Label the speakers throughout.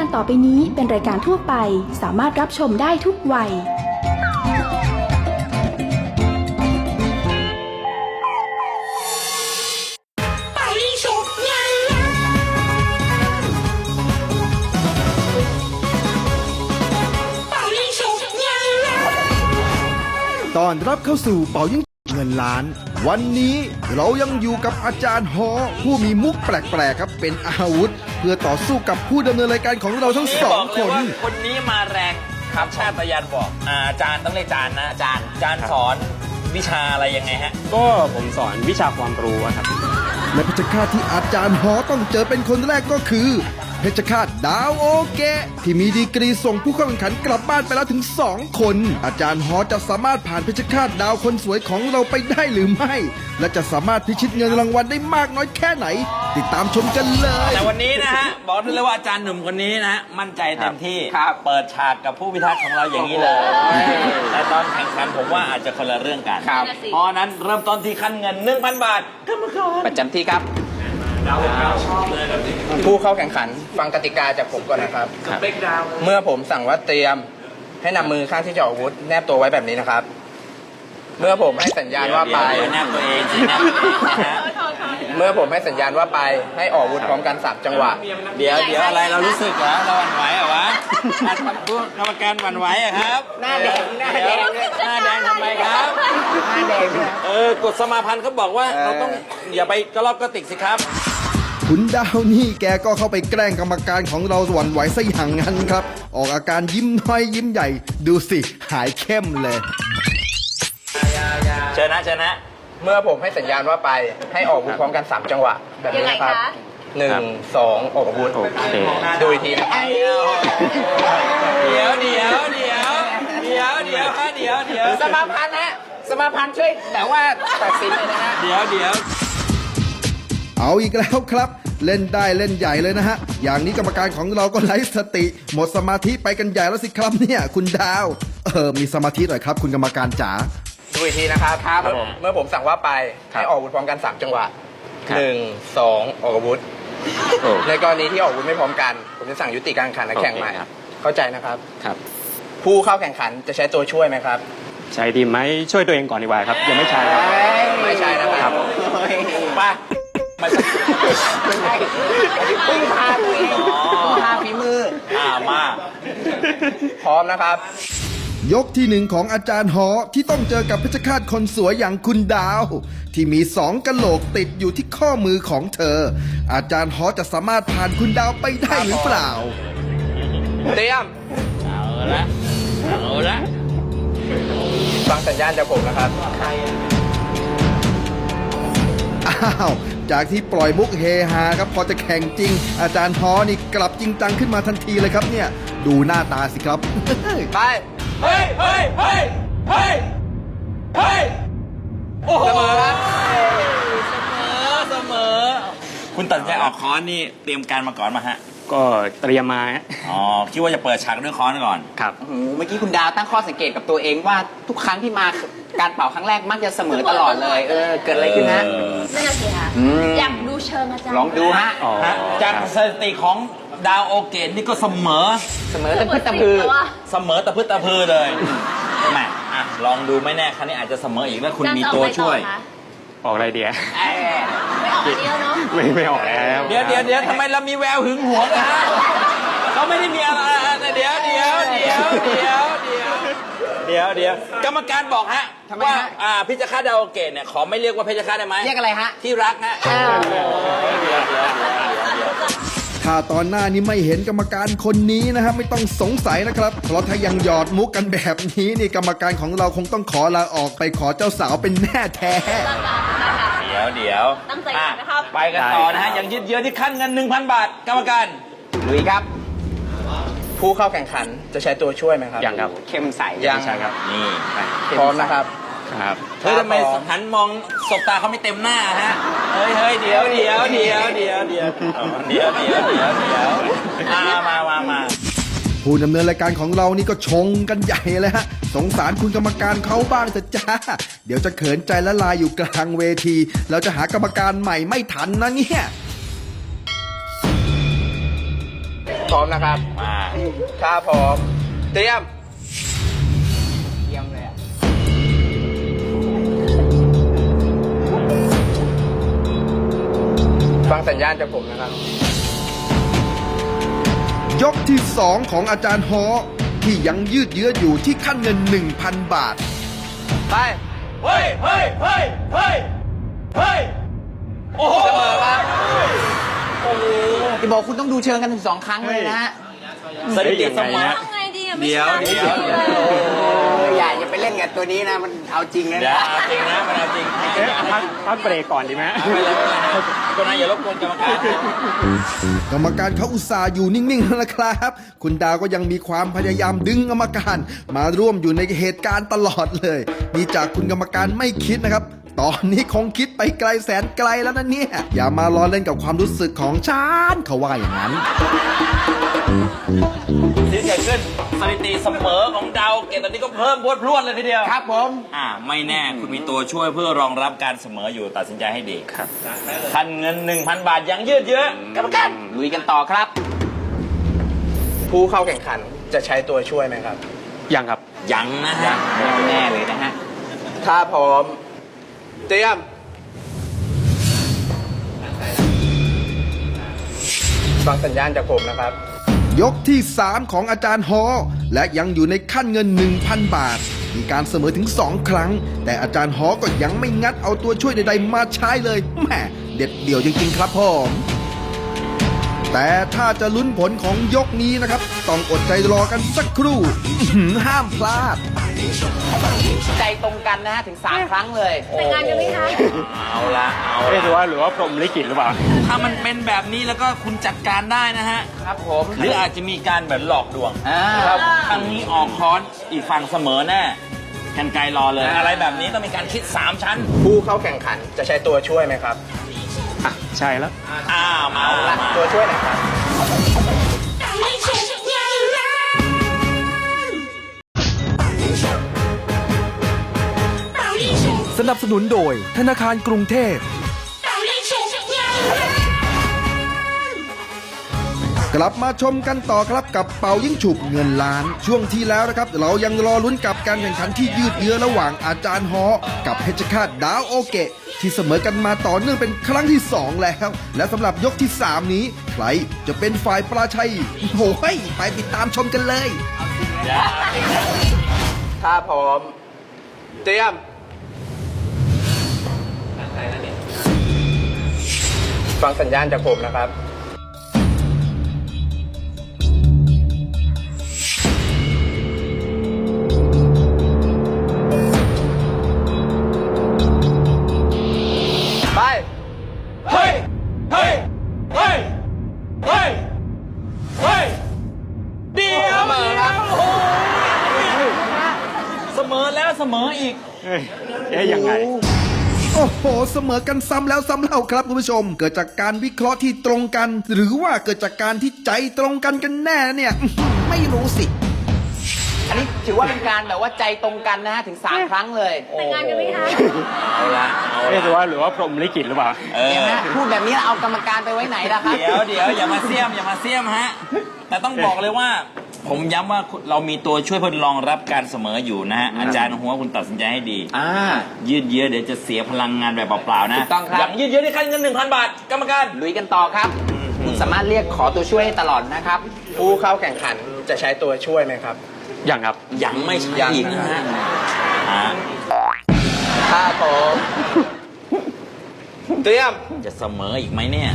Speaker 1: การต่อไปนี้เป็นรายการทั่วไปสามารถรับชมได้ทุกวัย
Speaker 2: ตอนรับเข้าสู่เป่ายิ่งเงินล้าน วันนี้เรายังอยู่กับอาจารย์ฮอผู้มีมุกแปลกๆครับเป็นอาวุธ เพื่อต่อสู้กับผู้ดำเนินรายการของเราทั้งสองคน
Speaker 3: คนนี้มาแรงครับชาติยันบอกอาจารย์ต้องเรียกอาจารย์นะอาจารย์สอนวิชาอะไรยังไงฮะ
Speaker 4: ก็ผมสอนวิชาความรู้ครับ
Speaker 2: และเพชฌฆาตที่อาจารย์ฮอต้องเจอเป็นคนแรกก็คือเพชฌฆาตดาวโอเกะที่มีดีกรีส่งผู้เข้าแข่งขันกลับบ้านไปแล้วถึง2คนอาจารย์ฮอจะสามารถผ่านเพชฌฆาตดาวคนสวยของเราไปได้หรือไม่ และจะสามารถพิชิตเงินรางวัลได้มากน้อยแค่ไหน ติดตามชมกันเลย
Speaker 3: แต่วันนี้นะฮะบอกได้เลยว่าอาจารย์หนุ่มคนนี้นะฮะมั่นใจเต็มที่เปิดฉากกับผู้พิทักษ์ของเราอย่างนี้เลยแต่ตอนแข่งขันผมว่าอาจจะคนละเรื่องกันเพราะนั้นเริ่มต้นที่ขั้นเงิน 1,000 บาทกรรมการ
Speaker 5: ประจำที่ครับ
Speaker 3: ดาวชอบเลยแบบนี้
Speaker 5: ผู้เข้าแข่งขันฟังกติกาจากผมก่อนนะครับ
Speaker 3: เป๊กดาว
Speaker 5: เมื่อผมสั่งว่าเตรียมให้นำมือข้างที่จะออกอาวุธแนบตัวไว้แบบนี้นะครับ เมื่อผมให้สัญญาณว่าไป
Speaker 3: แนบตัวเองสิแนบตัวเองนะฮะ
Speaker 5: เมื่อผมให้สัญญาณว่าไปให้ออกอาวุธพร้อมกัน3จังหวะ
Speaker 3: เดี๋ยวอะไรเรารู้สึกเหรอเราหวั่นไหวเหรอวะผู้กรรมการหวั่นไหวเหรอครับหน้าแดงหน้าแดงทำไมครับหน้าแดงกฎสมาพันธ์เขาบอกว่าเราต้องอย่าไปกระลอกกระติกสิครับ
Speaker 2: คุณดาวนี่แกก็เข้าไปแกล้งกรรมการของเราหวั่นไหวซะอย่างนั้นครับ ออกอาการยิ้มน้อยยิ้มใหญ่ดูสิหายเข้มเลย
Speaker 3: เชิญนะ
Speaker 5: เมื่อผมให้สัญญาณว่าไปให้ออกอาวุธพร้อมกัน3จังหวะแบบนี้นะครับ1 2ออกอาวุธดูอีกทีนะครับ
Speaker 3: เดี๋ยว
Speaker 5: สมาพันธ์ฮะสมาพันธ์ช่วยแต่ว่าตัดสินเลยนะฮะ
Speaker 3: เดี๋ยว
Speaker 2: เอาอีกแล้วครับ เล่นได้เล่นใหญ่เลยนะฮะ อย่างนี้กรรมการของเราก็ไร้สติ หมดสมาธิไปกันใหญ่แล้วสิครับเนี่ยคุณดาวมีสมาธิหน่อยครับคุณกรรมการจ๋า
Speaker 5: ดูอีกทีนะครับเมื่อผมสั่งว่าไปให้ออกอาวุธพร้อมกัน3จังหวะ1 2ออกอาวุธในกรณีที่ออกอาวุธไม่พร้อมกัน ผมจะสั่งยุติการแข่งขันและแข่งใหม่เข้าใจนะครับ
Speaker 4: ครับ
Speaker 5: ผู้เข้าแข่งขันจะใช้ตัวช่วยไหมครับ
Speaker 4: ใช้ดีไหมช่วยตัวเองก่อนดีกว่าครับ ยังไม่ใช่ครับ
Speaker 5: ไม่ใช่นะครับไปมาพึ่งพาตัวเองพึ่งพาฝีมือ
Speaker 3: มา
Speaker 5: พร้อมนะครับ
Speaker 2: ยกที่1ของอาจารย์หอที่ต้องเจอกับเพชฌฆาตคนสวยอย่างคุณดาว ที่มี2กะโหลกติดอยู่ที่ข้อมือของเธอ อาจารย์หอจะสามารถผ่านคุณดาวไปได้หรือเปล่า
Speaker 5: เตรียม
Speaker 3: เอาละ
Speaker 5: ฟังสัญญาณจากผมนะครับ
Speaker 2: อ้าวจากที่ปล่อยมุกเฮฮาครับพอจะแข่งจริง อาจารย์ฮอนี่กลับจริงจังขึ้นมาทันทีเลยครับเนี่ยดูหน้าตาสิครับ
Speaker 5: ไป
Speaker 3: เฮ้ยโอ้โห
Speaker 5: เสมอครับ
Speaker 3: เสมอคุณตัดใจออกค้อนนี่เตรียมการมาก่อนมาฮะ
Speaker 4: ก็เตรียมมาฮะ
Speaker 3: อ๋อคิดว่าจะเปิดฉากด้วยค้อนก่อน
Speaker 4: ครับ
Speaker 6: เมื่อกี้คุณดาวตั้งข้อสังเกตกับตัวเองว่าทุกครั้งที่มาการเป่าครั้งแรกมักจะเสมอตลอดเลย เกิดอะไรขึ้นฮะ
Speaker 7: นั่นน่ะสิค่ะอยากดูเชิงอาจารย์
Speaker 6: ลองดูฮะ
Speaker 4: อ๋อ
Speaker 3: จากสถิติของดาวโอเกตนี่ก็เสมอ
Speaker 6: เสมอตะพึดตะพือ
Speaker 3: เสมอตะพื้ตะพือเลยแหมลองดูไม่แน่ครั้งนี้อาจจะเสมออีกแล้วคุณมีตัวช่วย
Speaker 4: ออกอะไรเดีย
Speaker 7: ไม่ออกเดียวเนาะ
Speaker 4: ไม่ออกแล้ว
Speaker 3: เดี๋ยวทำไมเรามีแววหึงหวงนะเราไม่ได้มีอะไรเดี๋ยวกรรมการบอกฮะ
Speaker 6: ทำไม
Speaker 3: ว่า
Speaker 6: ฮะ
Speaker 3: พิจฆาตดาวโอเกตเนี่ยขอไม่เรียกว่าเพชฌฆาตได้ไหม
Speaker 6: เรียกอะไรฮะ
Speaker 3: ที่รักฮะ
Speaker 2: ถ้าตอนหน้านี้ไม่เห็นกรรมการคนนี้นะฮะไม่ต้องสงสัยนะครับ เพราะถ้ายังหยอดมุกกันแบบนี้นี่กรรมการของเราคงต้องขอลาออกไปขอเจ้าสาวเป็นแม่แท้
Speaker 3: เดี๋ยว
Speaker 7: ตั้งใจกันนะครับ
Speaker 3: ไปกันต่อนะฮะยังยืดเยื้อที่ขั้นเงิน 1,000 บาทกรรมการ
Speaker 5: ลุยครับ ผู้เข้าแข่งขันจะใช้ตัวช่วยไหมครับ
Speaker 4: ยังครับ
Speaker 6: เข้มใส
Speaker 5: ยัง
Speaker 4: ใช่ครับ
Speaker 3: นี่
Speaker 5: พร้อมนะครับ
Speaker 4: ครับ
Speaker 3: เฮ้ยทำไมหันมองสบตาเขาไม่เต็มหน้าฮะเฮ้ยเดี๋ยวมา
Speaker 2: ผู้ดำเนินรายการของเรานี่ก็ชงกันใหญ่เลยฮะสงสารคุณกรรมการเขาบ้างเถอะจ้าเดี๋ยวจะเขินใจละลายอยู่กลางเวทีแล้วจะหากรรมการใหม่ไม่ทันนะเนี่ย
Speaker 5: พร้อมนะครับ
Speaker 3: มา
Speaker 5: ถ้าพร้อม เตรียม เยี่ยมเลยอะฟังสัญญาณจากผมนะครับ
Speaker 2: ยกที่ 2 ของอาจารย์ฮอที่ยังยืดเยื้ออยู่ที่ขั้นเงิน 1,000 บาท
Speaker 5: ไป
Speaker 3: เฮ้ยเฮ้ยเฮ้ยเฮ้ยเฮ้ยโอ้โห
Speaker 5: เสมอครับ
Speaker 6: ที่บอกคุณต้องดูเชิงกันถึง2 ครั้งเลยนะฮะ
Speaker 3: สถิติเสมอ
Speaker 7: ทำไงดีอะไม่
Speaker 3: เดี๋ยว
Speaker 7: ใช่
Speaker 3: เดี๋ยว
Speaker 6: อย่าไปเล่นกับตัวนี้นะ มันเอาจริงนะ
Speaker 3: เดี๋ยวเอาจริงนะมันเอาจริง
Speaker 4: เอ๊ะพักเบรกก่อนดีไหม
Speaker 3: เอาไปเลยก็นายอย่ารบกวนกรรมการ
Speaker 2: กรรมการเขาอุตส่าห์อยู่นิ่งๆแล้วนะครับ คุณดาวก็ยังมีความพยายามดึงกรรมการมาร่วมอยู่ในเหตุการณ์ตลอดเลยนี่จากคุณกรรมการไม่คิดนะครับ ตอนนี้คงคิดไปไกลแสนไกลแล้วนะเนี่ย อย่ามาล้อเล่นกับความรู้สึกของฉันเขาว่าอย่างนั้น
Speaker 3: ที่เกิดขึ้นสถิติเสมอของดาวเกตตอนนี้ก็เพิ่มพรวดเลยทีเดียว
Speaker 6: ครับผม
Speaker 3: ไม่แน่คุณมีตัวช่วยเพื่อรองรับการเสมออยู่ตัดสินใจให้ดีครับคันเงิน 1,000 บาทยังยืดเยื้อกรรมการ
Speaker 6: ลุยกันต่อครับ
Speaker 5: ผู้เข้าแข่งขันจะใช้ตัวช่วยไหมครับ
Speaker 4: ยังครับ
Speaker 3: ยังนะฮะ
Speaker 6: แน่เลยนะฮะ
Speaker 5: ถ้าพร้อม เตรียม ฟังสัญญาณจากผมนะครับ
Speaker 2: ยกที่ 3 ของอาจารย์ฮอและยังอยู่ในขั้นเงิน 1,000 บาท มีการเสมอถึง 2 ครั้ง แต่อาจารย์ฮอก็ยังไม่งัดเอาตัวช่วยใดๆมาใช้เลยแหมเด็ดเดี่ยวจริงๆครับผมแต่ถ้าจะลุ้นผลของยกนี้นะครับ ต้องอดใจรอกันสักครู่อื้อหือห้ามพลาด
Speaker 6: ใจตรงกันนะฮะถึง 3 ครั้งเลย
Speaker 7: แต่งงานกันไหมคะ
Speaker 3: เอาละเอา
Speaker 4: เอ๊ะหรือ
Speaker 3: ละ
Speaker 4: ว่าพรหมลิขิตหรือเปล่า
Speaker 3: ถ้ามันเป็นแบบนี้แล้วก็คุณจัดการได้นะฮะ
Speaker 6: ครับผม
Speaker 3: หรืออาจจะมีการแบบหลอกลวง
Speaker 6: ครับ
Speaker 3: ครั้งนี้ออกค้อนอีกฝั่งเสมอแน่กันไกลรอเลย อะไรแบบนี้ต้องมีการคิด 3 ชั้น
Speaker 5: ผู้เข้าแข่งขันจะใช้ตัวช่วยไหมครับ
Speaker 4: อ่ะ ใช่แล้ว
Speaker 3: อ้าวมาละ
Speaker 5: ตัวช่วยไหนครับ
Speaker 8: สนับสนุนโดยธนาคารกรุงเทพ
Speaker 2: กลับมาชมกันต่อครับกับเป่ายิ่งฉุบเงินล้าน ช่วงที่แล้วนะครับ เรายังรอลุ้นกับการแข่งขันที่ยืดเยื้อระหว่างอาจารย์ฮอกับเพชรฆาตดาวโอเกะที่เสมอกันมาต่อเนื่องเป็นครั้งที่ 2 แล้ว และสำหรับยกที่ 3 นี้ ใครจะเป็นฝ่ายปราชัยโอ้ยไปติดตามชมกันเลย
Speaker 5: ถ้าพร้อม เตรียม ฟังสัญญาณจากผมนะครับ ไป
Speaker 3: เฮ้ย เฮ้ย เฮ้ย เฮ้ย เฮ้ย เดี๋ยว
Speaker 5: เสมอครับ
Speaker 3: โอ้ยเสมอแล้วเสมออีก
Speaker 4: เอ๊ะยังไง
Speaker 2: โอ้โห เสมอกันซ้ำแล้วซ้ำเล่าครับคุณผู้ชม เกิดจากการวิเคราะห์ที่ตรงกัน หรือว่าเกิดจากการที่ใจตรงกันกันแน่เนี่ยไม่รู้สิ
Speaker 6: อันนี้ถือว่าเป็นการแบบว่าใจตรงกันนะฮะถึง 3 ครั้งเลย
Speaker 7: แต่งงานกันไหมคะ
Speaker 3: เอาละเอา
Speaker 4: เอ๊ะ
Speaker 3: ละ
Speaker 4: หรือว่าพรหมลิขิตหรือเปล่า
Speaker 6: เห็นไหมพูดแบบนี้แล้วเอากรรมการไปไว้ไหนล่ะครับ
Speaker 3: เดี๋ยวอย่ามาเสียมอย่ามาเสียมฮะ แต่ต้องบอกเลยว่า ผมย้ำว่าเรามีตัวช่วยเพื่อรองรับการเสมออยู่นะฮะ อาจารย์หัวคุณตัดสินใจให้ดี ยืดเยื้อเดี๋ยวจะเสียพลังงานแบบเปล่าๆนะ
Speaker 6: ถูกต้องครับ
Speaker 3: อย่างยืดเยื้อที่ขั้นเงิน 1,000 บาท กรรมการ
Speaker 6: ลุยกันต่อครับ คุณสามารถเรียกขอตัวช่วยได้ตลอดนะครับ
Speaker 5: ผู้เข้าแข่งขันจะใช้ตัวช่วยไหมครับ
Speaker 4: ยังครับ
Speaker 3: ยังไม่ใช่
Speaker 5: ยัง
Speaker 3: อีกนะฮะ
Speaker 5: ถ้าพร้อม เตรียม
Speaker 3: จะเสมออีกไหมเนี่ย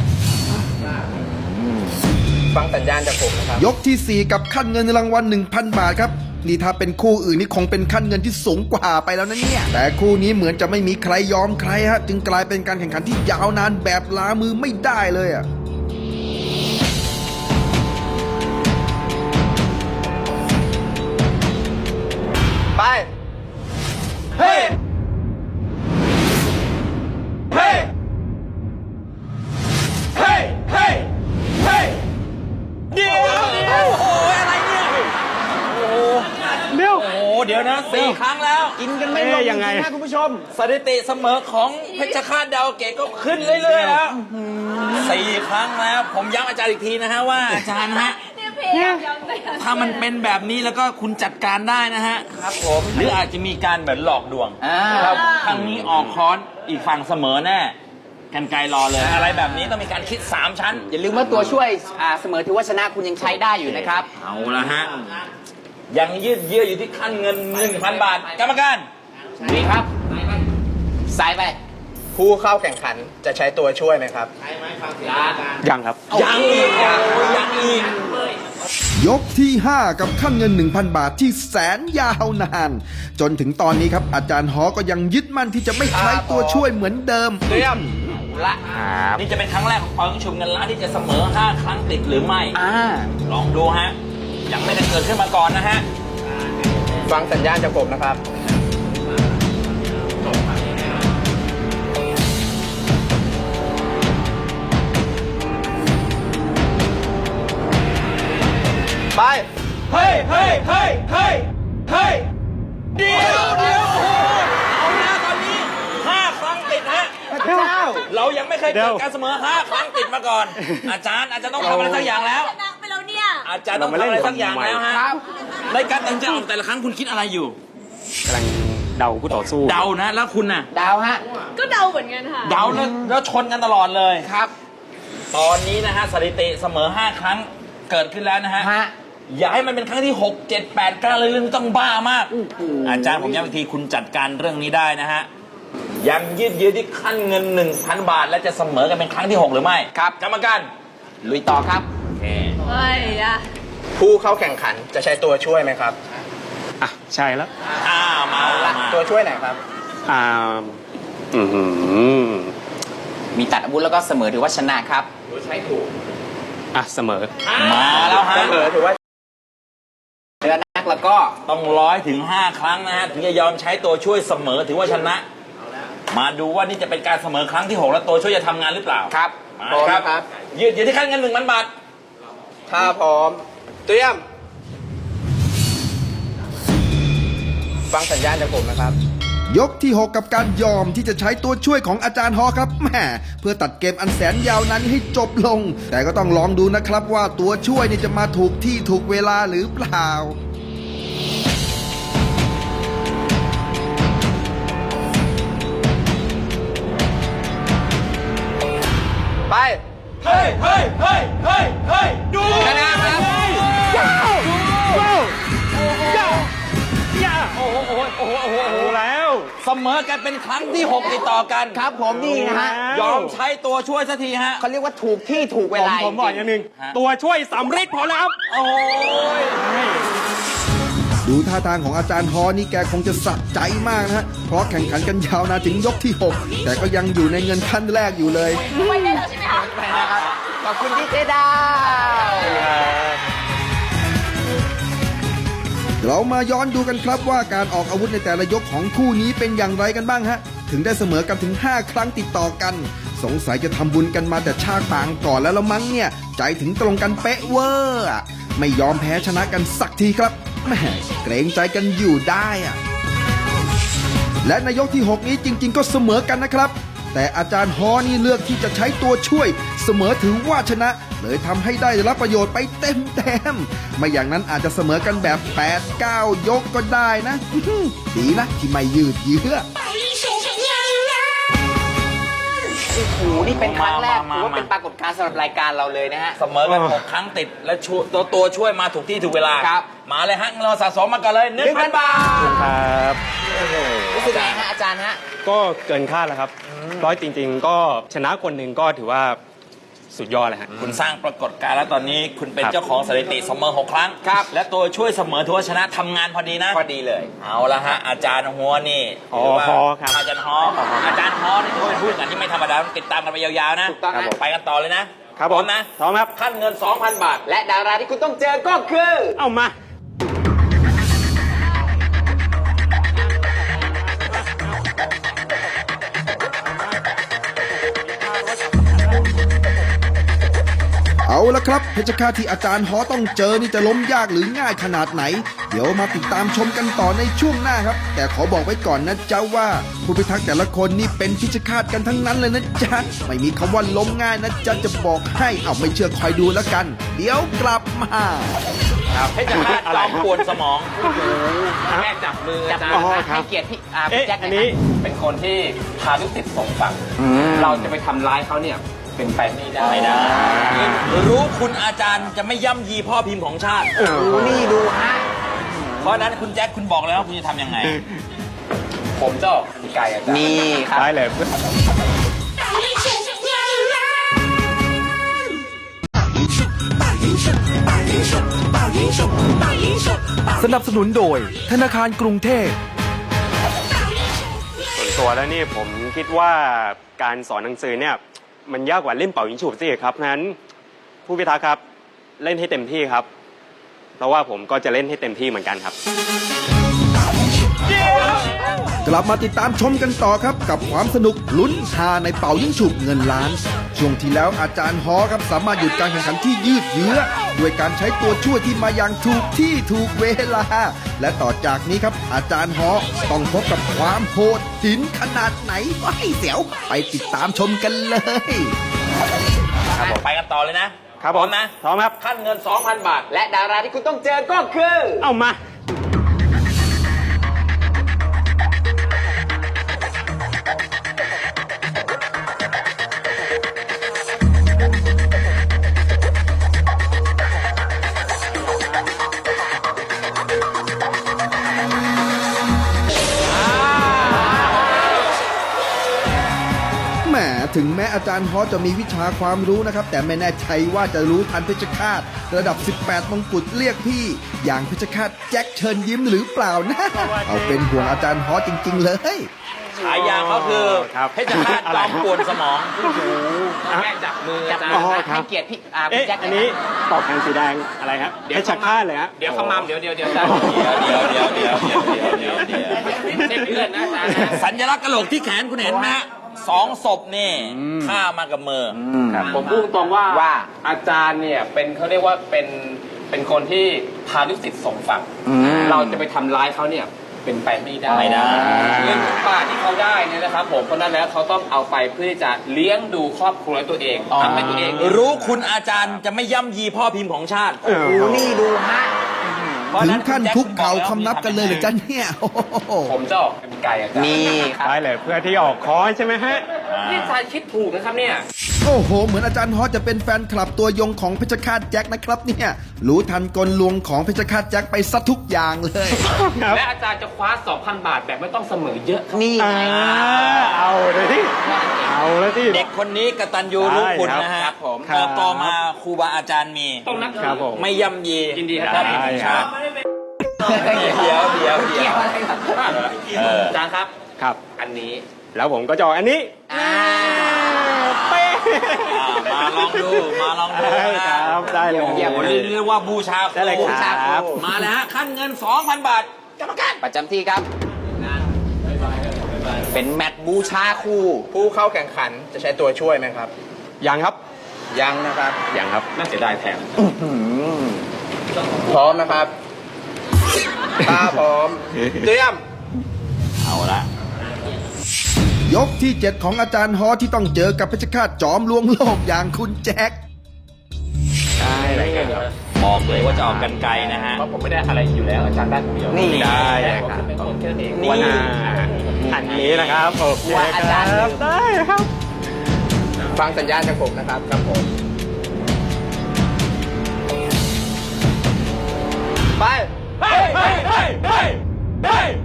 Speaker 5: ฟังสัญญาณจากผมนะครับ
Speaker 2: ยกที่ 4 กับขั้นเงินรางวัล 1,000 บาทครับ นี่ถ้าเป็นคู่อื่นนี่คงเป็นขั้นเงินที่สูงกว่าไปแล้วนะเนี่ย แต่คู่นี้เหมือนจะไม่มีใครยอมใครฮะ จึงกลายเป็นการแข่งขันที่ยาวนานแบบล้ามือไม่ได้เลยอ่ะ
Speaker 5: ไป เฮ้ย เฮ้ย
Speaker 3: เฮ้ย เฮ้ย เฮ้ย เดี๋ยวโอ้ยอะไรเนี่ย
Speaker 4: เดี๋ยว
Speaker 3: โอ้โห เดี๋ยวนะ4 ครั้งแล้ว
Speaker 6: กินกันไม่ลง
Speaker 4: เอ๊ะยังไง
Speaker 6: จริๆนะคุณผู้ชม
Speaker 3: สถิติเสมอของเพชรฆาตดาวเกตก็ขึ้นเรื่อยๆแล้ว4 ครั้งแล้ว ผมย้ำอาจารย์อีกทีนะฮะว่าอาจารย์ฮะถ้ามันเป็นแบบนี้แล้วก็คุณจัดการได้นะฮะ
Speaker 6: ครับผม
Speaker 3: หรืออาจจะมีการแบบหลอกลวง
Speaker 6: ครับ
Speaker 3: ทางนี้ออกค้อนอีกฝั่งเสมอแน่กันไกลรอเลย อะไรแบบนี้ต้องมีการคิด 3 ชั้น
Speaker 6: อย่าลืมว่าตัวช่วยเสมอถือว่าชนะคุณยังใช้ได้อยู่นะครับ
Speaker 3: เอาละฮะ ยังยืดเยื้ออยู่ที่ขั้นเงิน 1,000 บาท กรรมการ
Speaker 6: ดีครับสายไป
Speaker 5: ผู้เข้าแข่งขันจะใช้ตัวช่วยไหมครับ
Speaker 4: ยังครับ
Speaker 3: ยังอีกยังอีก
Speaker 2: ยกที่ 5 กับขั้นเงิน 1,000 บาทที่แสนยาวนาน จนถึงตอนนี้ครับอาจารย์ฮอก็ยังยึดมั่นที่จะไม่ใช้ตัวช่วยเหมือนเดิม
Speaker 5: เตรียม
Speaker 6: ละ
Speaker 3: นี่จะเป็นครั้งแรกของปอยชุมเงินล้านที่จะเสมอ 5 ครั้งติดหรือไม่ ลองดูฮะ ยังไม่ได้เกิดขึ้นมาก่อนนะฮะ
Speaker 5: ฟังสัญญาณจากผมนะครับ ไป
Speaker 3: เฮ้ยเฮ้ยเฮ้ยเฮ้ยเฮ้ยเดี๋ยวโอ้โหเอานะตอนนี้ 5 ครั้งติดฮะ เรายังไม่เคย
Speaker 4: เดี๋
Speaker 3: เกิ
Speaker 4: ย
Speaker 3: ด
Speaker 4: ว
Speaker 3: การเสมอ 5 ครั้งติดมาก่อน อาจารย์ต้องทำอะไรสักอย่างแล้ว
Speaker 7: ชนะไปแล้วเนี่ย
Speaker 3: อาจารย์ต้องทำอะไรสักอย่างแล้วฮะ ในการตัดสินใจออกแต่ละครั้งคุณคิดอะไรอยู่
Speaker 4: กำลังเดาคู่ต่อสู้
Speaker 3: เดานะ แล้วคุณน่ะ
Speaker 6: ดาวฮะ
Speaker 7: ก็เดาเหมือนกันค่ะ
Speaker 3: เดาแล้วชนกันตลอดเลย
Speaker 6: ครับ
Speaker 3: ตอนนี้นะฮะสถิติเสมอ 5 ครั้งเกิดขึ้นแล้วนะฮะ
Speaker 6: ฮะ
Speaker 3: อย่าให้มันเป็นครั้งที่ 6 7 8 9เลยเรื่องนี้ต้องบ้ามาก อาจารย์ผมย้ำอีกทีคุณจัดการเรื่องนี้ได้นะฮะ ยังยืดเยื้อที่ขั้นเงิน 1,000 บาท และจะเสมอกันเป็นครั้งที่ 6 หรือไม่
Speaker 6: ครับ
Speaker 3: กรรมการ
Speaker 6: ลุยต่อครับ
Speaker 7: เฮ้ยอะ
Speaker 5: ผู้เข้าแข่งขันจะใช้ตัวช่วยไหมครับ
Speaker 4: อ่ะ ใช่แล้ว
Speaker 3: มา
Speaker 5: ตัวช่วยไหนครับ
Speaker 4: อ่า อือหือ
Speaker 6: มีตัดอาวุธแล้วก็เสมอถือว่าชนะครับ
Speaker 4: อ่ะ เสมอ
Speaker 3: มาแล้วฮะ
Speaker 5: เสมอถือว่า
Speaker 6: เรือนักแล้วก็
Speaker 3: ต้อง100 ถึง 5 ครั้งนะฮะถึงจะยอมใช้ตัวช่วยเสมอถือว่าชนะ มาดูว่านี่จะเป็นการเสมอครั้งที่ 6 แล้วตัวช่วยจะทำงานหรือเปล่า
Speaker 6: ครับ
Speaker 3: มา
Speaker 5: พร้อม
Speaker 3: ครับ
Speaker 5: นะครับ
Speaker 3: ยืดเยื้อที่ขั้นเงิน 1,000 บาท
Speaker 5: ถ้าพร้อม เตรียม ฟังสัญญาณจากผมนะครับ
Speaker 2: ยกที่ 6 กับการยอมที่จะใช้ตัวช่วยของอาจารย์ฮอครับแหมเพื่อตัดเกมอันแสนยาวนั้นให้จบลง แต่ก็ต้องลองดูนะครับว่าตัวช่วยนี่จะมาถูกที่ถูกเวลาหรือเปล่า
Speaker 5: ไป
Speaker 3: เฮ้ยเฮ้ยเฮ้ยเฮ้ยเฮ้ยดู
Speaker 6: ชนะครับ
Speaker 3: โอ้โหโอ้โหโอ้โหโอ้โห
Speaker 4: แล้ว
Speaker 3: เสมอกันเป็นครั้งที่ 6 ติดต่อกัน
Speaker 6: ครับผมนี่นะฮะ
Speaker 3: ยอมใช้ตัวช่วยสักทีฮะ
Speaker 6: เขาเรียกว่าถูกที่ถูกเวลา
Speaker 4: ผมบอกอย่างหนึ่ง
Speaker 3: ฮะ
Speaker 4: ตัวช่วยสำริดพอแล้วครับ
Speaker 3: โอ้ย
Speaker 2: ดูท่าทางของอาจารย์ฮอนี่แกคงจะสะใจมากนะฮะ เพราะแข่งขันกันยาวนานถึงยกที่ 6 แต่ก็ยังอยู่ในเงินขั้นแรกอยู่เลย
Speaker 7: ไปได้แล้วใช่ไหมคะ
Speaker 6: ไปนะครับขอบคุณที่เจดาว
Speaker 2: เรามาย้อนดูกันครับว่าการออกอาวุธในแต่ละยกของคู่นี้เป็นอย่างไรกันบ้างฮะ ถึงได้เสมอกันถึง 5 ครั้งติดต่อกัน สงสัยจะทำบุญกันมาแต่ชาติปางก่อนแล้วละมั้งเนี่ย ใจถึงตรงกันเป๊ะเวอร์อะไม่ยอมแพ้ชนะกันสักทีครับแหมเกรงใจกันอยู่ได้อะและในยกที่ 6 นี้จริง ๆ ก็เสมอกันนะครับ แต่อาจารย์ฮอนี่เลือกที่จะใช้ตัวช่วย เสมอถือว่าชนะ เลยทำให้ได้รับประโยชน์ไปเต็มๆไม่อย่างนั้นอาจจะเสมอกันแบบ 8-9 ยกก็ได้นะ ดีนะที่ไม่ยืดเยื้อ
Speaker 6: โอ้โหนี่เป็นครั้งแรก
Speaker 3: มา
Speaker 6: ถือว่าเป็นปรากฏการณ์สำหรับรายการเราเลยนะฮะ
Speaker 3: เสมอกัน 6 ครั้งติด และตัวช่วยมาถูกที่ถูกเวลา
Speaker 6: ครับ
Speaker 3: มาเลยฮะเราสะสมมากันเลย 1,000 บาท
Speaker 4: ครับ
Speaker 6: รู้สึกไงฮะอาจารย์ฮะ
Speaker 4: ก็เกินคาดแล้วครับร้อยจริง ๆ ก็ชนะคนหนึ่งก็ถือว่าสุดยอดเลยฮะ
Speaker 3: คุณสร้างปรากฏการณ์แล้วตอนนี้คุณเป็น
Speaker 4: ครับ
Speaker 3: เจ้าของสถิติเสมอ 6 ครั้ง
Speaker 6: ครับ
Speaker 3: และตัวช่วยเสมอถือว่าชนะทำงานพอดีนะ
Speaker 6: พอดีเลย
Speaker 3: เอาละฮะอาจารย์หัวนี่
Speaker 4: อ๋อ
Speaker 3: ถืว่า
Speaker 4: ฮอครับ
Speaker 3: อาจารย์ฮออาจารย์ฮอนี่ถือว่าเป็นผู้แข่งขันที่ไม่ธรรมดาต้องติดตามกันไปยาวๆนะ
Speaker 6: ถูกต้องครับผม
Speaker 3: ไปกันต่อเลยนะครับ
Speaker 4: ผม
Speaker 3: พร้อมนะ
Speaker 4: พร้อมครับ
Speaker 3: ขั้นเงิน 2,000 บาท
Speaker 6: และดาราที่คุณต้องเจอก็คือ
Speaker 4: เอามา
Speaker 2: เอาละครับเพชรฆาตที่อาจารย์ฮอต้องเจอนี่จะล้มยากหรือง่ายขนาดไหน เดี๋ยวมาติดตามชมกันต่อในช่วงหน้าครับ แต่ขอบอกไว้ก่อนนะจ๊ะว่าผู้พิทักษ์แต่ละคนนี่เป็นเพชรฆาตกันทั้งนั้นเลยนะจ๊ะไม่มีคำว่าล้มง่ายนะจ๊ะจะบอกให้เอาไม่เชื่อคอยดูแล้วกัน เดี๋ยวกลับมา
Speaker 3: เพชรฆาตจอมปวนสมอง
Speaker 5: แม่จับมือ
Speaker 6: จับ
Speaker 5: อาจาร
Speaker 6: มือ
Speaker 5: ย์
Speaker 6: ให้เกียรติพี่พี่
Speaker 4: เอ๊ะ
Speaker 6: แจ็ค
Speaker 4: อันนี้
Speaker 5: เป็นคนที่พาลูกศิษย์ส่งฝั่งเราจะไปทำร้ายเขาเนี่ยเป็นไปไม่ได้
Speaker 3: ไม่ได้รู้คุณอาจารย์จะไม่ย่ำยีพ่อพิมพ์ของชาติ
Speaker 6: นี่ดูฮะ
Speaker 3: เพราะฉะนั้นคุณแจ็คคุณบอกแล้วว่าคุณจะทำยังไง
Speaker 5: ผมจะออกไกลอาจารย์
Speaker 6: นี่ครับ
Speaker 4: ได้เลย
Speaker 8: สนับสนุนโดยธนาคารกรุงเทพ
Speaker 4: ส่วนตัวแล้วนี่ผมคิดว่าการสอนหนังสือเนี่ยมันยากกว่าเล่นเป่ายิงฉุบสิครับงั้นผู้พิทักษ์ครับเล่นให้เต็มที่ครับ เพราะว่าผมก็จะเล่นให้เต็มที่เหมือนกันครับ
Speaker 2: กลับมาติดตามชมกันต่อครับกับความสนุกลุ้นฮาในเป่ายิ่งฉุบเงินล้าน ช่วงที่แล้วอาจารย์ฮอครับสามารถหยุดการแข่งขันที่ยืดเยื้อด้วยการใช้ตัวช่วยที่มาอย่างถูกที่ถูกเวลา และต่อจากนี้ครับอาจารย์ฮอต้องพบกับความโหดหินขนาดไหนว้ายเสียวไปติดตามชมกันเลย
Speaker 3: ไปกันต่อเลยนะครับ
Speaker 4: ผม
Speaker 3: พร้อมนะ
Speaker 4: พร้อมครับ
Speaker 3: ขั้นเงิน 2,000 บาท
Speaker 6: และดาราที่คุณต้องเจอก็คือ
Speaker 4: เอามา
Speaker 2: แหมถึงแม้อาจารย์ฮอจะมีวิชาความรู้นะครับ แต่ไม่แน่ใจว่าจะรู้ทันเพชรฆาตระดับ 18 มงกุฎเรียกพี่ อย่างเพชรฆาตแจ็คเชิญยิ้มหรือเปล่านะ เอาเป็นห่วงอาจารย์ฮอจริง ๆ เลย
Speaker 3: ฉายาเขาคือ
Speaker 4: ครับ
Speaker 3: เพชรฆาตจอมปวนสมอง
Speaker 5: แม่จับมือ
Speaker 6: จั
Speaker 5: อา
Speaker 6: บ
Speaker 5: จาร
Speaker 6: มือ
Speaker 5: ย์
Speaker 6: ให้เกียรติพี่พี่
Speaker 4: เอ๊ะ
Speaker 6: แจ็ค
Speaker 4: อันนี้ปอกแทนสีแดงอะไรครับเพชรฆาตเลยฮะ
Speaker 5: เดี๋ยวขมำเดี๋ยว
Speaker 3: เดี๋ยวเพื่อนนะอาจารย์นะสัญลักษณ์กระโหลกที่แขนคุณเห็นไหมฮะ2 ศพนี่ฆ่ามากับมือ
Speaker 5: ผมพูดตรงว่าอาจารย์เนี่ยเป็นเขาเรียกว่าเป็นคนที่พาลูกศิษย์ส่งฝั่งเราจะไปทำร้ายเขาเนี่ยเป็นไปไม่ได้
Speaker 3: ไม่ได้
Speaker 5: เงินทุกบาทที่เขาได้เนี่ยนะครับผมเพราะนั้นแล้วเขาต้องเอาไปเพื่อที่จะเลี้ยงดูครอบครัวตัวเองทำให้ตัวเอง
Speaker 3: รู้คุณอาจารย์จะไม่ย่ำยีพ่อพิมพ์ของชาติ
Speaker 6: นี่ดูฮะ
Speaker 3: เพราะฉะ
Speaker 2: ถึ
Speaker 3: นั้
Speaker 2: ง
Speaker 3: น
Speaker 2: ขั้น
Speaker 3: ณแจ็
Speaker 2: คุกเข่า
Speaker 3: ณบอก
Speaker 2: คำนับกันเลยเหรือจ๊ะเนี่ยโอ้โห
Speaker 5: ผมจะออกเป็นไก่อาจารย์
Speaker 6: นี่ครับ
Speaker 4: ได้เลยเพื่อที่ออกคอนใช่ไหมฮะ
Speaker 5: นี่อาจารย์คิดถูกนะครับเนี่ย
Speaker 2: โอ้โห เหมือนอาจารย์ฮอจะเป็นแฟนคลับตัวยงของเพชรฆาตแจ็คนะครับเนี่ย รู้ทันกลลวงของเพชรฆาตแจ็คไปซะทุกอย่างเลย
Speaker 4: ครับ
Speaker 5: และอาจารย์จะคว้า 2,000 บาทแบบไม่ต้องเสมอเยอะครับ
Speaker 6: นี่
Speaker 4: อ่าเอาเลยที่เอาแล้วที่
Speaker 3: เด็กคนนี้กตัญญูรู้คุณนะฮะ
Speaker 5: ครับผม
Speaker 3: เติบโตมาครูบาอาจารย์มี
Speaker 5: ต้องนับ
Speaker 4: ครับผม
Speaker 3: ไม่ย่ำยี
Speaker 5: ยินดีครับ
Speaker 3: พ่อพิมพ์ของชาติเดี๋ยว
Speaker 6: เกี่ยวอะไรครับ
Speaker 5: อาจารย์ครับ
Speaker 4: ครับ
Speaker 5: อันนี้
Speaker 4: แล้วผมก็จะออกอันนี้ เป๊ะ
Speaker 3: มาลองดู
Speaker 4: ได้
Speaker 3: นะครับ
Speaker 4: ได้เลย
Speaker 3: เรียกว่าบูชาครู
Speaker 4: ได้เลยครับ
Speaker 3: มาแล้วฮะขั้นเงิน 2,000 บาทกรรมการ
Speaker 6: ประจำที่ครับ เป็นแมตช์บูชาคู่
Speaker 5: ผู้เข้าแข่งขันจะใช้ตัวช่วยไหมครับ
Speaker 4: ยังครับ
Speaker 5: ยังนะครับ
Speaker 4: ยังครับ
Speaker 5: น่าเสียดายแทนพร้อมนะครับตาพร้อม เตรียม
Speaker 3: เอาละ
Speaker 2: ยกที่ 7 ของอาจารย์ฮอที่ต้องเจอกับเพชรฆาตจอมลวงโลกอย่างคุณแจ็ค
Speaker 4: ได้เลยครับ
Speaker 3: บอกเลยว่าจะออกกันไกลนะฮะ
Speaker 5: เพราะผมไม่ได้อะไรอยู่แล้ว อาจารย์ได้คนเดียว
Speaker 6: นี่
Speaker 4: ได้
Speaker 5: แค่
Speaker 4: เลย
Speaker 5: ผม
Speaker 4: ครับ
Speaker 5: เป็นคนแค่นั้นเอง
Speaker 4: วันอันนี้นะครับโอเค
Speaker 6: ว่าอาจารย์
Speaker 4: ครับได้ครับ
Speaker 5: ฟังสัญญาณจากผมนะครับครับผม ไป
Speaker 3: เฮ้ยเฮ้ยเฮ้ยเฮ้ยเฮ้ย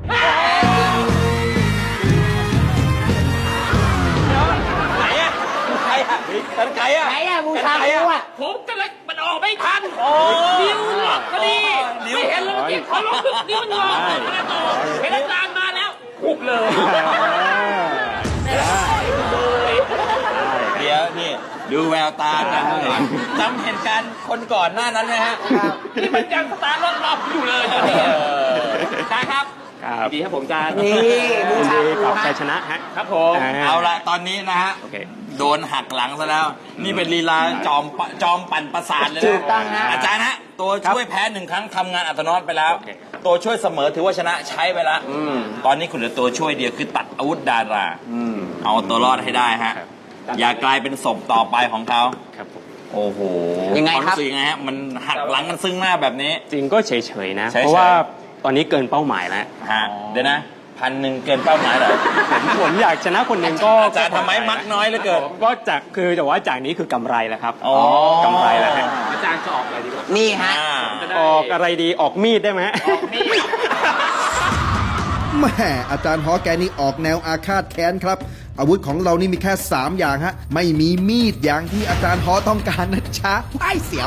Speaker 3: ไหนอะใครอะกันไกอะ
Speaker 6: ไหนอะบูชาคู่อะ
Speaker 5: ผมกำลังมันออกไม่ทัน
Speaker 3: โอ้
Speaker 5: นิ้วหลอกพอดีไม่เห็นเลยเมื่อกี้ขอลองนิ้วมันงอไม่ได้ต่อเห็นอาจารย์มาแล้วหุบเลย
Speaker 3: เดี๋ยวนี่ดูแววตากันจำเหตุการณ์คนก่อนหน้านั้นไหมฮะ
Speaker 5: นี่มันยังสตาร์ทรถรอบอยู่เลยใช่ครับ
Speaker 4: ครับ
Speaker 3: ดีครับผมอาจารย์
Speaker 6: นี่บู
Speaker 4: ยิน
Speaker 6: ชา
Speaker 4: ดี
Speaker 6: ครู
Speaker 4: กับ
Speaker 6: ฮะ
Speaker 4: ชัยชนะฮะ
Speaker 3: ครับผม
Speaker 4: อ่า
Speaker 3: เอาละตอนนี้นะฮะ
Speaker 4: โอเค
Speaker 3: โดนหักหลังซะแล้ว นี่เป็นลีลาจอมปั่นประสาทเลย
Speaker 6: ถู
Speaker 3: นะ
Speaker 6: กต้องฮะ
Speaker 3: อาจารย์ฮะตัวช่วยแพ้หนึ่งครั้งทำงานอัตโนมัติไปแล้ว
Speaker 4: โอเค
Speaker 3: ตัวช่วยเสมอถือว่าชนะใช้ไปแล้วตอนนี้คุณเหลือตัวช่วยเดียวคือตัดอาวุธดาราเอาตัวรอดให้ได้ฮะ อย่ากลายเป็นศพต่อไปของเขา
Speaker 4: ครับผม
Speaker 3: โอ้โห
Speaker 6: ยังไงครับ
Speaker 3: วามสึกยังไงฮะมันหักหลังกันซึ่งหน้าแบบนี้
Speaker 4: จริงก็เฉยๆนะ
Speaker 3: เฉยๆ
Speaker 4: เพราะว่าตอนนี้เกินเป้าหมายแล้ว
Speaker 3: ฮะเดี๋ยวนะ1,000เกินเป้าหมายเหรอ
Speaker 4: ผมอยากชนะคนหนึ่งก็
Speaker 3: อาจารย์ทำไมมักน้อยเหลือเกิน
Speaker 4: ก็จากคือแต่ว่าจากนี้คือกำไรแล้วครับ
Speaker 3: อ๋อก
Speaker 4: ำไรแล้วฮะ
Speaker 3: อาจารย์จะออกอะไรดีกว่า
Speaker 6: นี่ฮะ
Speaker 4: ออกอะไรดีออกมีดได้ไหม
Speaker 2: แหม่อาจารย์ฮอแกนี่ออกแนวอาฆาตแค้นครับ อาวุธของเรานี่มีแค่ 3 อย่างฮะ ไม่มีมีดอย่างที่อาจารย์ฮอต้องการนะจ๊ะไอ้เสียว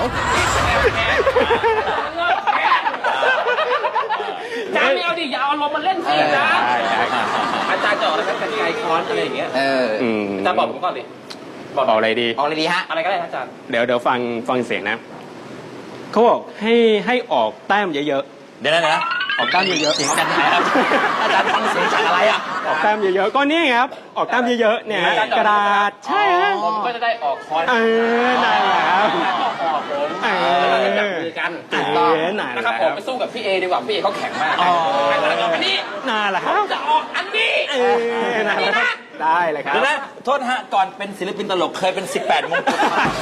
Speaker 3: อาจารย์ไม่เอาดิอย่าเอาลมมาเล่นสิอาจารย์อาจารย์จะออกอะไรกันไกลค้อนอะไรอย่างเงี้ย
Speaker 6: เออ
Speaker 3: อาจารย์บอกผมก่อนดิ
Speaker 4: ออกอะไรดี
Speaker 6: ออกเลยดีฮะ
Speaker 3: อะไรก็ได้ครับอาจารย์
Speaker 4: เดี๋ยวฟังเสียงนะเขาบอกให้ออกแต้มเยอะ
Speaker 3: เดี๋ยวนะ
Speaker 4: ๆออกแต้มเยอะๆ
Speaker 3: เสียงกันไหนครับอาจารย์ฟังเสียงจากอะไรอ่ะ
Speaker 4: ออกแต้มเยอะๆก็นี่ไงครับออกแต้มเยอะๆเนี่ยฮะกระดาษใช่ฮะ
Speaker 3: ผมก็จะได้ออกค้อน
Speaker 4: นั่นแหละครับ
Speaker 3: ออกผม
Speaker 4: เออ
Speaker 3: จับมือกัน
Speaker 4: ถูกต้องนั่นแหละ
Speaker 3: นะครับผมไปสู้กับพี่เอดีกว่าพี่เอเขาแข็งมากแล้วก็อันนี้
Speaker 4: นั่นแหละครับ
Speaker 3: จะออกอันนี้
Speaker 4: นั่นแหละครับได้เลยครับ
Speaker 3: เดี๋ยวนะโทษฮะก่อนเป็นศิลปินตลกเคยเป็น 18 มงกุฎ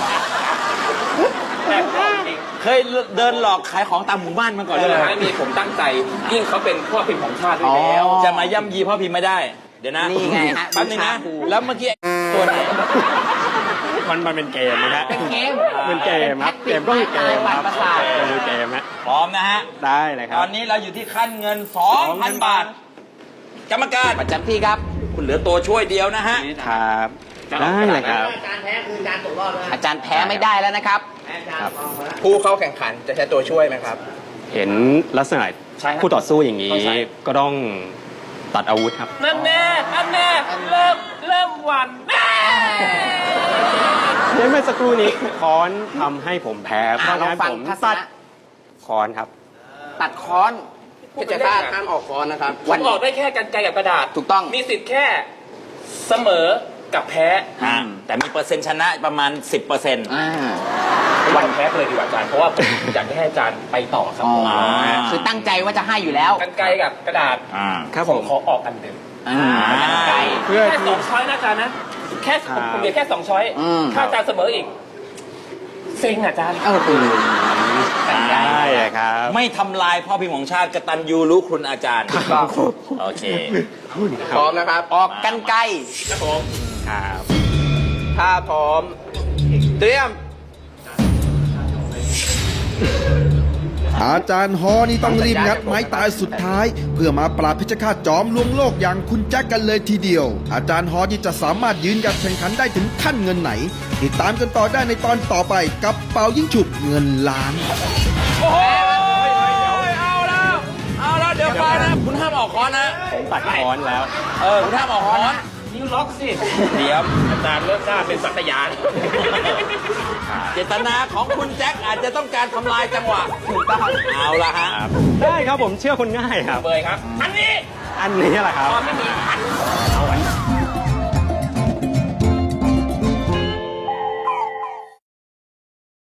Speaker 3: เคยเดินหลอกขายของตามหมู่บ้านมาก่อนเลย
Speaker 9: ไม่มีผมตั้งใจยิ่งเขาเป็นพ่อพิมพ์ของชาติด้วยแล้ว
Speaker 3: จะมาย่ำยีพ่อพิมพ์ไม่ได้ เดี๋ยวนะ
Speaker 6: นี่ไงฮะ
Speaker 3: แป๊บนึงนะ
Speaker 6: บูชาครู
Speaker 3: แล้วเมื่อกี้ตัวไหน
Speaker 4: มันเป็นเกมนะฮะ
Speaker 6: เป็นเกม
Speaker 4: เป็นเกมครับเกมก็คือเกมครับ
Speaker 6: ประสาท
Speaker 4: ก็คือเกมฮะ
Speaker 3: พร้อมนะฮะ
Speaker 4: ได้เลยครั
Speaker 3: ต
Speaker 4: บ
Speaker 3: อนนี้เราอยู่ที่ขั้นเงิน 2,000 บาท กรรมการ
Speaker 6: ประจำที่ครับ
Speaker 3: คุณเหลือตัวช่วยเดียวนะฮะ
Speaker 4: ครับได้เลยครับ
Speaker 6: อาจารย์แพ้ไม่ได้แล้วนะครับ
Speaker 5: ผู้เข้าแข่งขันจะใช้ตัวช่วยไหมครับ
Speaker 4: เห็นลักษณะคู่ต่อสู้อย่างนี้ ก็ต้องตัดอาวุธครับ
Speaker 3: นั่นแน่เริ่มหวั่นแน่
Speaker 4: เมื่อสักครู่นี้ค้อนทำให้ผมแพ้เพราะ
Speaker 6: ลอง
Speaker 4: งั้น
Speaker 6: ฟัง
Speaker 4: ผม
Speaker 6: ทัศ
Speaker 4: ตัด
Speaker 6: นะ
Speaker 4: ค้อนครับ
Speaker 6: ตัดค้อน
Speaker 5: เพชรฆาตห้ามออกค้อนนะครับ
Speaker 9: ผมออกได้แค่กันไกลกับกระดาษ
Speaker 6: ถูกต้อง
Speaker 9: มีสิทธิ์แค่เสมอกับแพ้
Speaker 3: แต่มีเปอร์เซ็นต์ชนะประมาณ 10%
Speaker 9: วันแพ้ไปเลยดีกว่าอาจารย์ เพราะว่าผมอยากให้อาจารย์ไปต่อครับ
Speaker 6: อ๋อ
Speaker 9: ผม
Speaker 6: คือตั้งใจว่าจะให้อยู่แล้ว
Speaker 9: กันไกลกับกระดาษ
Speaker 4: ครับ
Speaker 9: ผ
Speaker 4: ผม ม
Speaker 9: ขอออกอันเดิม
Speaker 6: กันไกล
Speaker 4: เพื่อ
Speaker 9: แค่
Speaker 4: ที่
Speaker 9: 2 ช้อยนะอาจารย์นะ แค่
Speaker 4: ครับ
Speaker 9: ผมเหลือแค่ 2 ช้อย
Speaker 6: อืม
Speaker 9: ถ้าอาจารย์เสมออีกเซ็งอาจารย์
Speaker 6: เออคือ
Speaker 4: ได้เลยครับ
Speaker 3: ไม่ทำลายพ่อพิมพ์ของชาติกตัญญูรู้คุณอาจารย์ โอเค
Speaker 5: พร้อมนะครับ
Speaker 6: ออกกันไกล
Speaker 9: ครับผม
Speaker 4: ครับ
Speaker 5: ถ้าพร้อม เตรียม
Speaker 2: อาจารย์ฮอนี่ต้องรีบงัดไม้ตายสุดท้าย เพื่อมาปราบเพชฌฆาตจอมลวงโลกอย่างคุณแจ็คกันเลยทีเดียว อาจารย์ฮอนี่จะสามารถยืนหยัดแข่งขันได้ถึงขั้นเงินไหน ติดตามกันต่อได้ในตอนต่อไปกับเป่ายิ่งฉุบเงินล้าน
Speaker 3: โอ้ยเอาแล้วเดี๋ยวก่อนนะ คุณห้ามออกค้อนนะ
Speaker 4: ผมตัดค้อนแล้ว
Speaker 3: คุณห้ามออกค้อน
Speaker 9: นิ้วล็อกสิ
Speaker 3: เดี๋ยว
Speaker 9: อาจารย์เลิกกล้าเป็นสัตยาน
Speaker 3: เจตนาของคุณแจ็คอาจจะต้องการทำลายจังหวะถูกต้องเอาละฮะ
Speaker 4: ได้ครับผมเชื่อคนง่ายครับ
Speaker 9: เบยครับ อันนี้
Speaker 4: อันนี้แหละครับ
Speaker 9: ตอนไม่มี